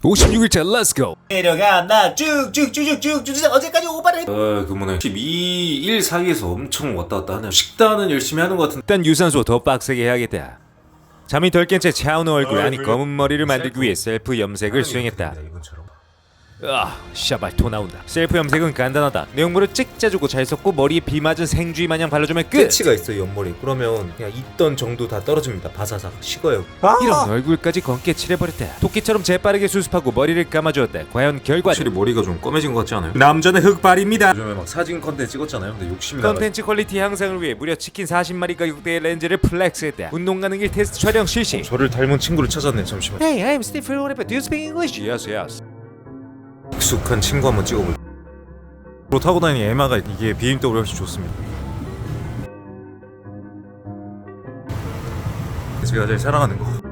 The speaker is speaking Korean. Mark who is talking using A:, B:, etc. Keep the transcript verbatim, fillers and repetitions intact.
A: 오십육 일차 렛츠고.
B: 내려간다 쭉쭉쭉쭉쭉쭉 어제까지 오바를 했...
C: 어 그러면 십이 일 사이에서 엄청 왔다 갔다 하네. 식단은 열심히 하는 것 같은데
A: 일단 유산소 더 빡세게 해야겠다. 잠이 덜 깬 채 차은우 얼굴 아니 검은 머리를 만들기 위해 셀프 염색을 수행했다.
C: 이건처럼.
A: 아, 샤발 토 나온다. 셀프 염색은 간단하다. 내용물을 찍 짜주고 잘 섞고 머리에 비 맞은 생쥐 마냥 발라주면 끝.
B: 끝이가 있어요 옆머리. 그러면 그냥 있던 정도 다 떨어집니다. 바사삭 식어요.
A: 이런 얼굴까지 검게 칠해버렸다. 토끼처럼 재빠르게 수습하고 머리를 감아주었다. 과연 결과는?
C: 확실히 머리가 좀 검해진 것 같지 않아요? 남자는 흑발입니다. 요즘에 막 사진 컨텐츠 찍었잖아요. 근데 욕심이 나가지고
A: 컨텐츠 퀄리티 향상을 위해 무려 치킨 사십 마리 가격대의 렌즈를 플렉스했다. 운동 가능일 테스트 촬영 실시.
C: 저를 닮은 친구를 찾았네. 잠시만.
A: Hey, I'm Steve Philip. Do you speak English? Yes, yes.
C: 익숙한 친구 한번 찍어볼. 로 타고 다니는 에마가 이게 비엠더블유 훨씬 좋습니다. 제가 제일 사랑하는 거.